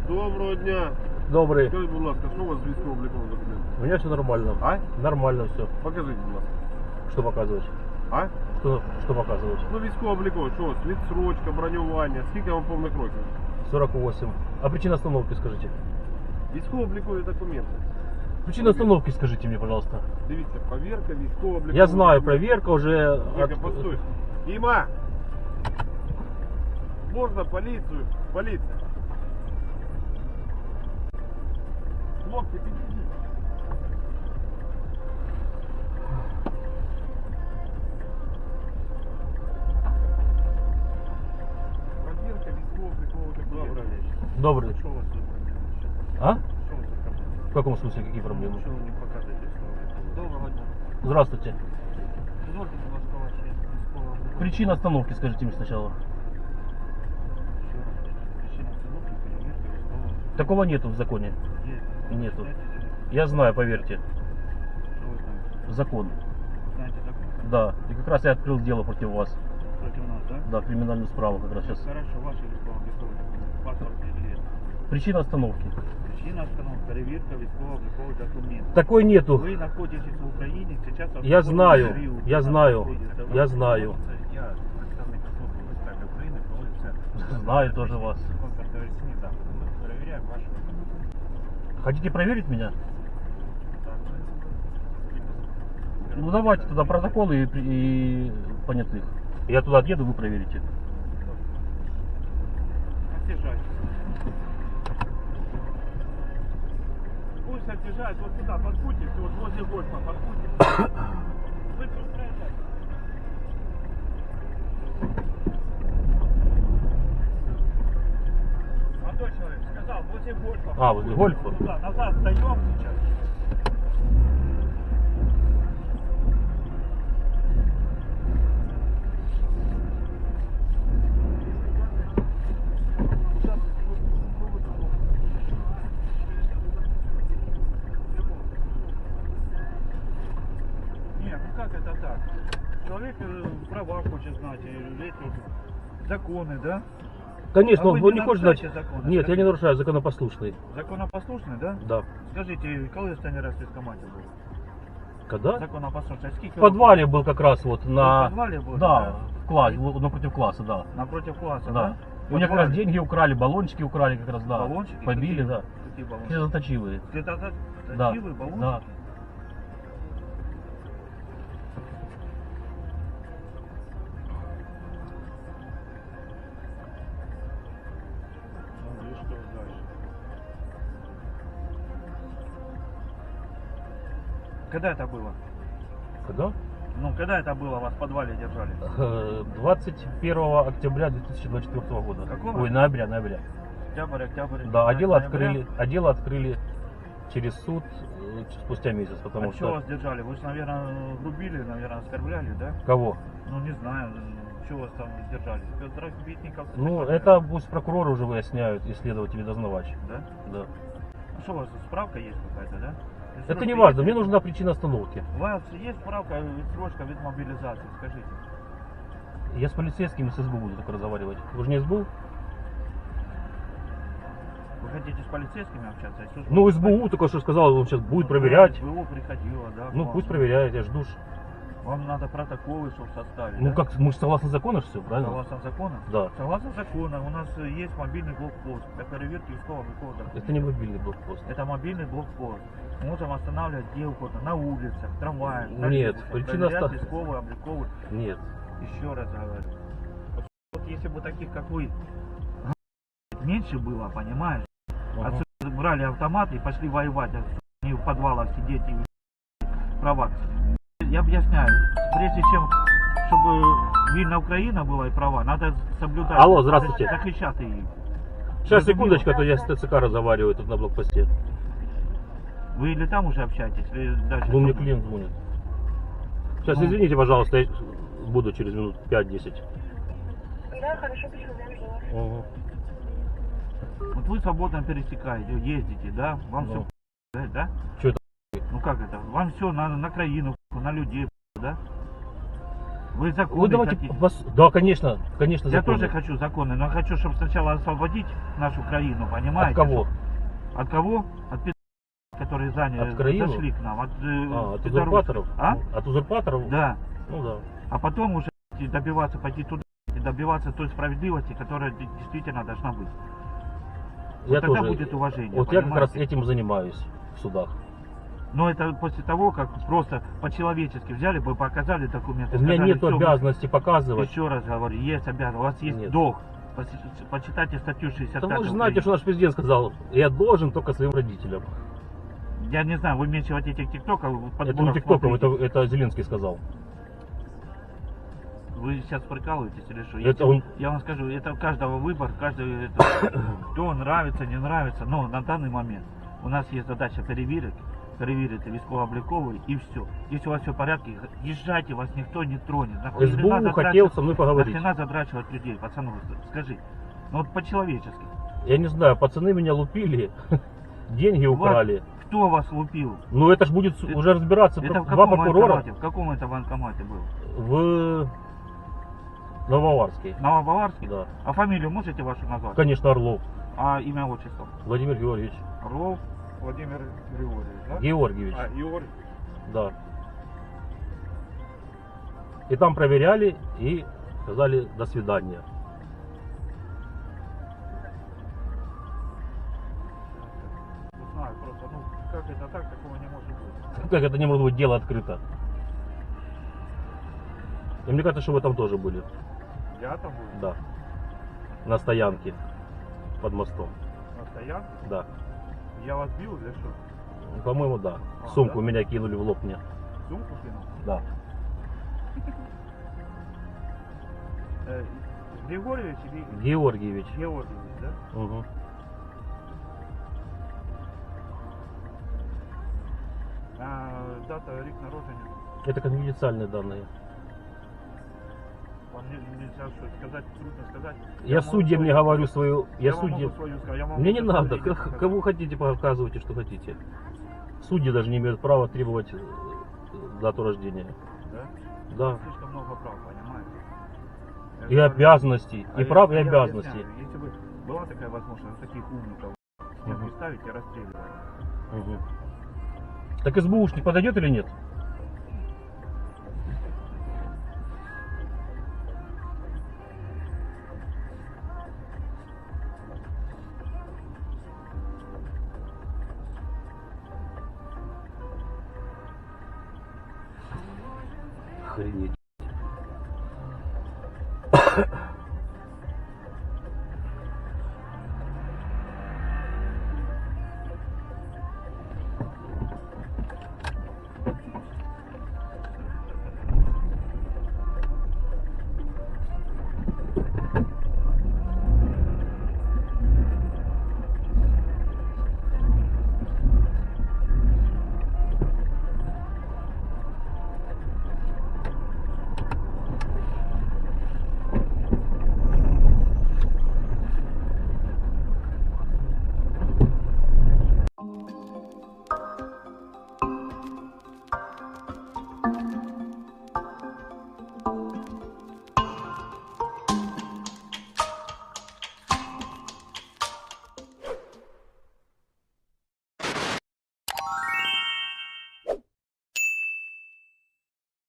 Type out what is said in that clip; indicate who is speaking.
Speaker 1: Доброго дня.
Speaker 2: Добрый.
Speaker 1: Скажіть, будь ласка, що у вас з військово-обліковим документом?
Speaker 2: У меня все нормально.
Speaker 1: А?
Speaker 2: Нормально все.
Speaker 1: Покажіть, будь ласка.
Speaker 2: Что показывать?
Speaker 1: А?
Speaker 2: Что показывать?
Speaker 1: Ну, військово-облікове, що у вас? Відсрочка, бронювання. Скільки вам повних років?
Speaker 2: 48. А причина остановки скажите?
Speaker 1: Військово-облікові документи.
Speaker 2: Причина остановки скажите мне, пожалуйста.
Speaker 1: Дивіться, перевірка військово-облікових.
Speaker 2: Я знаю, проверка уже...
Speaker 1: Тільки постой. Діма! Можна поліцію? Поліція. Хлопці, підійдіть. Проверка військово-облікових документів.
Speaker 2: Добрый.
Speaker 3: Что у вас тут?
Speaker 2: А?
Speaker 3: Что у вас тут проблемы?
Speaker 2: В каком смысле, какие проблемы?
Speaker 3: Что вы не показываете слово? Доброго дня.
Speaker 2: Здравствуйте.
Speaker 3: Дозвольте, будь ласка, ваші військово-облікові.
Speaker 2: Причина остановки скажите мне сначала.
Speaker 3: Ще раз. Причина остановки, перевірка військово.
Speaker 2: Такого нету в законе.
Speaker 3: Є.
Speaker 2: Нету.
Speaker 3: Знаєте,
Speaker 2: Я знаю, поверьте.
Speaker 3: Що ви знаєте?
Speaker 2: Закон.
Speaker 3: Знаєте закон?
Speaker 2: Да. И как раз я открыл дело против вас.
Speaker 3: Проти нас, так?
Speaker 2: Да, криминальную справу как раз сейчас.
Speaker 3: Хорошо, ваші військово-облікові документи. Паспорт или
Speaker 2: Причина остановки.
Speaker 3: Причина остановки, перевірка військово-облікових документів.
Speaker 2: Такой нету.
Speaker 3: Вы находитесь в Украине, сейчас...
Speaker 2: Я знаю,
Speaker 3: период,
Speaker 2: я
Speaker 3: у нас
Speaker 2: знаю,
Speaker 3: находится.
Speaker 2: я знаю.
Speaker 3: Я представник Служби безпеки України, проводиться...
Speaker 2: Знаю тоже вас.
Speaker 3: Контртерористичні заходи. Ми перевіряємо ваші...
Speaker 2: Хотите проверить меня?
Speaker 3: Так,
Speaker 2: Ну давайте тогда протоколы и понятых. Я туда отъеду, вы проверите.
Speaker 3: Отъезжайте. Пусть отъезжает вот туда, под Путин, вот возле гольфа, под Путин. Вы тут проезжайте. Молодой человек сказал, возле гольфа.
Speaker 2: А, возле гольфа?
Speaker 3: Туда, назад встаем сейчас. Нет, ну как это так? Человек права хочет знать, эти законы, да?
Speaker 2: Конечно,
Speaker 3: А вы
Speaker 2: он
Speaker 3: не
Speaker 2: не хочет знать.
Speaker 3: нарушаете законы,
Speaker 2: Нет, я
Speaker 3: скажите?
Speaker 2: не нарушаю, законопослушный.
Speaker 3: Законопослушный, да?
Speaker 2: Да.
Speaker 3: Скажите, коли останній раз в військкоматі був?
Speaker 2: Когда?
Speaker 3: Законопослушний. А скільки
Speaker 2: В подвале был как раз вот на...
Speaker 3: В подвале был?
Speaker 2: Да, в классе, напротив класса, да.
Speaker 3: Напротив класса,
Speaker 2: Да.
Speaker 3: да?
Speaker 2: У меня как раз деньги украли, баллончики украли как раз, да.
Speaker 3: Баллончики?
Speaker 2: Побили,
Speaker 3: Какие?
Speaker 2: да.
Speaker 3: Какие баллончики?
Speaker 2: Слезоточивые. Да.
Speaker 3: Точивые баллончики?
Speaker 2: Да.
Speaker 3: Ну и что дальше? Когда это было?
Speaker 2: Когда?
Speaker 3: Ну, когда это было, вас в подвале держали?
Speaker 2: 21 октября 2024 года.
Speaker 3: Какого?
Speaker 2: Ой, ноября.
Speaker 3: Октябрь.
Speaker 2: Да, дело
Speaker 3: ноября.
Speaker 2: открыли через суд спустя месяц, потому
Speaker 3: А что
Speaker 2: что...
Speaker 3: вас держали? Вы же, наверное, грубили, наверное, оскорбляли, да?
Speaker 2: Кого?
Speaker 3: Ну, не знаю, что вас там держали? Спецдрагбитников?
Speaker 2: Ну, это пусть прокуроры уже выясняют, и следователи, дознавач.
Speaker 3: Да?
Speaker 2: Да.
Speaker 3: А что у вас, справка есть какая-то, да?
Speaker 2: Это не важно, мне нужна причина остановки.
Speaker 3: У вас есть справка, срочка вид мобилизации, скажите.
Speaker 2: Я с полицейскими с СБУ буду только разговаривать. Вы же не СБУ?
Speaker 3: Вы хотите с полицейскими общаться? И служба
Speaker 2: Ну,
Speaker 3: безопасности?
Speaker 2: СБУ только что сказал, он сейчас будет
Speaker 3: Ну,
Speaker 2: проверять.
Speaker 3: СБУ приходила, да. к
Speaker 2: Ну,
Speaker 3: вам.
Speaker 2: пусть проверяет, я жду.
Speaker 3: Вам надо протоколы, чтобы составить.
Speaker 2: Ну,
Speaker 3: да?
Speaker 2: как, мы же согласно закону все, правильно?
Speaker 3: Согласно закону?
Speaker 2: Да.
Speaker 3: Согласно закону, у нас есть мобильный блокпост для проверки військового документа.
Speaker 2: Это не мобильный блокпост.
Speaker 3: Это мобильный блокпост. Мы можем останавливать где угодно, на улицах, в трамваях,
Speaker 2: Нет,
Speaker 3: троллейбусах,
Speaker 2: причина
Speaker 3: проверять
Speaker 2: ста-
Speaker 3: військовые, обликовые.
Speaker 2: Нет.
Speaker 3: Еще раз говорю. Вот если бы таких, как вы, меньше было, понимаешь?
Speaker 2: Ага.
Speaker 3: Отсюда брали автомат и пошли воевать, а не в подвалах сидеть и права. Я объясняю, прежде чем, чтобы вільна Украина была и права, надо соблюдать.
Speaker 2: Алло, здравствуйте.
Speaker 3: Захищати її.
Speaker 2: Сейчас, секундочку, а то я с ТЦК разговариваю тут на блокпосте.
Speaker 3: Вы или там уже общаетесь, или дальше?
Speaker 2: Ну, мне
Speaker 3: что?
Speaker 2: клиент звонит. Сейчас,
Speaker 3: Ну.
Speaker 2: извините, пожалуйста, я буду через минут 5-10.
Speaker 4: Да, хорошо, пришел, жду вас.
Speaker 2: Ага.
Speaker 3: Вот вы свободно пересекаете, ездите, да? Вам
Speaker 2: Ну.
Speaker 3: все, да?
Speaker 2: Чё это?
Speaker 3: Ну как это? Вам все на краину, на людей, да? Вы законы
Speaker 2: Вы давайте...
Speaker 3: хотите.
Speaker 2: Да, конечно, конечно,
Speaker 3: Я
Speaker 2: законы.
Speaker 3: тоже хочу законы, но хочу, чтобы сначала освободить нашу краину, понимаете?
Speaker 2: От кого?
Speaker 3: От кого? От которые заняли,
Speaker 2: От краину?
Speaker 3: зашли к нам. От
Speaker 2: От
Speaker 3: пидорусов.
Speaker 2: узурпаторов?
Speaker 3: А?
Speaker 2: От узурпаторов?
Speaker 3: Да.
Speaker 2: Ну да.
Speaker 3: А потом уже добиваться, пойти туда и добиваться той справедливости, которая действительно должна быть.
Speaker 2: Я
Speaker 3: тогда
Speaker 2: тоже,
Speaker 3: будет уважение,
Speaker 2: вот я как раз
Speaker 3: понимаете?
Speaker 2: этим занимаюсь в судах.
Speaker 3: Но это после того, как просто по-человечески взяли бы, показали документы.
Speaker 2: У меня
Speaker 3: сказали,
Speaker 2: нет
Speaker 3: «Всё,
Speaker 2: обязанности показывать.
Speaker 3: Еще раз говорю, есть обязанность, у вас есть
Speaker 2: Нет.
Speaker 3: долг. Почитайте статью 65.
Speaker 2: Да вы же знаете, что наш президент сказал, я должен только своим родителям.
Speaker 3: Я не знаю, вы меньше вот этих тиктоков,
Speaker 2: Это не тиктоком, это Зеленский сказал.
Speaker 3: Вы сейчас прикалываетесь или что?
Speaker 2: Это он-
Speaker 3: Я вам скажу, это у каждого выбор, каждый кто нравится, не нравится. Но на данный момент у нас есть задача перевірити військово-обліковий и все. Если у вас все в порядке, езжайте, вас никто не тронет. Нахуй
Speaker 2: СБУ
Speaker 3: нахрена
Speaker 2: хотел со мной поговорить.
Speaker 3: Нахрена задрачивать людей, пацаны, скажи. Ну вот по-человечески.
Speaker 2: Я не знаю, пацаны меня лупили, деньги украли.
Speaker 3: Кто вас лупил?
Speaker 2: Ну это ж будет уже разбираться
Speaker 3: Это в
Speaker 2: два
Speaker 3: каком
Speaker 2: прокурора
Speaker 3: военкомате? В каком это военкомате был?
Speaker 2: в Нововарске.
Speaker 3: Новобаварский?
Speaker 2: Да.
Speaker 3: А фамилию можете вашу назвать?
Speaker 2: Конечно, Орлов.
Speaker 3: А имя, отчество?
Speaker 2: Владимир Георгиевич.
Speaker 3: Орлов Владимир Григорьевич, да?
Speaker 2: Георгиевич.
Speaker 1: А, Ігор,
Speaker 2: Да. И там проверяли и сказали до свидания.
Speaker 3: Не знаю, просто, ну, как это так, такого не может быть.
Speaker 2: Как это не может быть дело открыто? И мне кажется, что вы там тоже были.
Speaker 3: Я там был
Speaker 2: Да. На стоянке под мостом.
Speaker 3: на стоянке,
Speaker 2: Да.
Speaker 3: я вас бил или что?
Speaker 2: По-моему, да.
Speaker 3: А,
Speaker 2: Сумку
Speaker 3: да?
Speaker 2: меня кинули в лоб мне.
Speaker 3: Сумку кинул?
Speaker 2: Да.
Speaker 3: Григорьевич или
Speaker 2: Георгиевич.
Speaker 3: Георгиевич, да?
Speaker 2: Угу.
Speaker 3: А, дата, рік народження.
Speaker 2: Это конфиденциальные данные.
Speaker 3: Вам нельзя что сказать, трудно сказать.
Speaker 2: Я судьям не говорю свою...
Speaker 3: Я
Speaker 2: Я
Speaker 3: вам
Speaker 2: судьям...
Speaker 3: могу свою сказать. Я вам
Speaker 2: Мне не
Speaker 3: могу
Speaker 2: надо.
Speaker 3: свою сказать.
Speaker 2: Кому хотите, показывайте, что хотите. Судьи даже не имеют права требовать дату рождения.
Speaker 3: Да?
Speaker 2: Да.
Speaker 3: Слишком много прав, понимаете? Я
Speaker 2: И
Speaker 3: же говорю,
Speaker 2: обязанностей.
Speaker 3: а
Speaker 2: И
Speaker 3: я-
Speaker 2: прав, и
Speaker 3: я
Speaker 2: обязанностей.
Speaker 3: объясняю, если бы была такая возможность, таких умников
Speaker 2: Мгм.
Speaker 3: ставить и расстреливать.
Speaker 2: Мгм. Так СБУшник подойдет или нет? Охренеть.